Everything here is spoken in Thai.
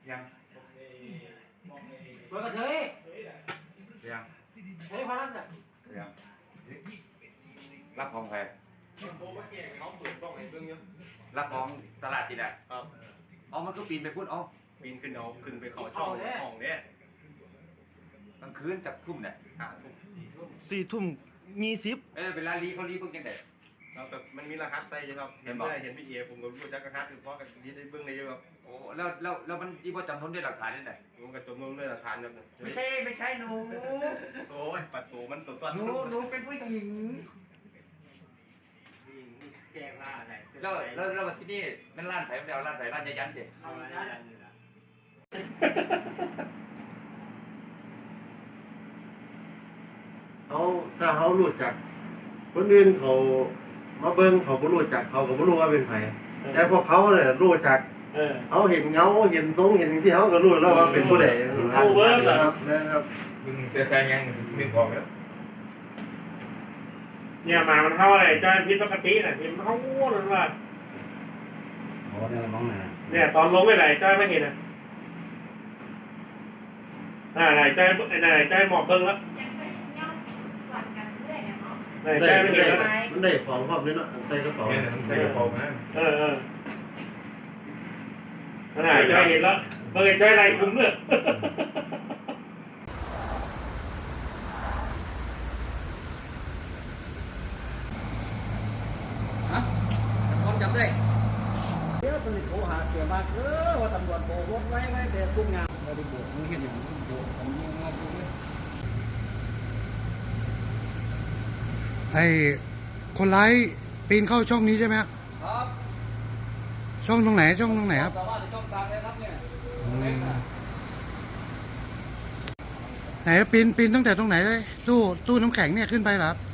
ยังตัวกระเทยยังเฮ้ยพนันน่ะยังรับของใครรับของตลาดที่ไหนครับเอามันก็ปีนไปพูดเอาปีนขึ้นเอาขึ้นไปเขาช่องห้องเนี่ยกลางคืนกับทุ่มเนี่ย 4 ทุ่ม20 เวลาลีเขาลีเพิ่งจังได๋แล้วแบบมันมีรหัสใส่ใช่ครับเห็นพี่เอผมก็รู้จักรหัสเพราะกันนี้ได้เบื้องในเยอะครับโอ้แล้วมันที่ว่าจำนวนด้วยหลักฐานนี่ไหนมันก็จำนวนด้วยหลักฐานครับไม่ใช่หนูโอ้ยประตูมันตัวหนูเป็นผู้หญิงแจ้งล่าอะไรแล้วที่นี่มันร้านไผ่ไม่เอาร้านไผ่ร้านยันเด็ดเอายันถ้าเขารู้จักคนอื่นเขามาเบิ้งเขาไม่รู้จักเขาก็ไม่รู้ว่าเป็นใครแต่พวกเขาเนี่ยรู้จักเขาเห็นเงาเห็นทรงเห็นสิ่งเขาก็รู้แล้วว่าเป็นผู้ใดเขาเบิ้งครับนะครับมึงจะแทงยังนึกออกแล้วเนี่ยหมามันเข้าอะไรจ้อยพิษปกติน่ะพิษมันเข้าง่วงเลยว่าโอ้เนี่ยมองไหนเนี่ยตอนลงไปไหนจ้อยไม่เห็นอ่ะไหนจ้อยหมอบเบิ้งแล้วได้มันได้ของพร้อมเลยเนาะใส่กระเป๋าใส่กระเป๋านะไหนจ้อยเห็นแล้วเบิ้งจ้อยไรคุ้มเลยผมจำได้เดี๋ยวตำรวจโทรหาเสียมากว่าตำรวจโบกไว้แต่ทุกงานเราได้โบกมึงเห็นอย่างนี้โบกผมยังงงเลยไอ้คนร้ายปีนเข้าช่องนี้ใช่ไหมครับช่องตรงไหนครับสามารถช่องกลางเลยครับเนี่ยไหนปีนตั้งแต่ตรงไหนเลยตู้น้ำแข็งเนี่ยขึ้นไปเหรอครับ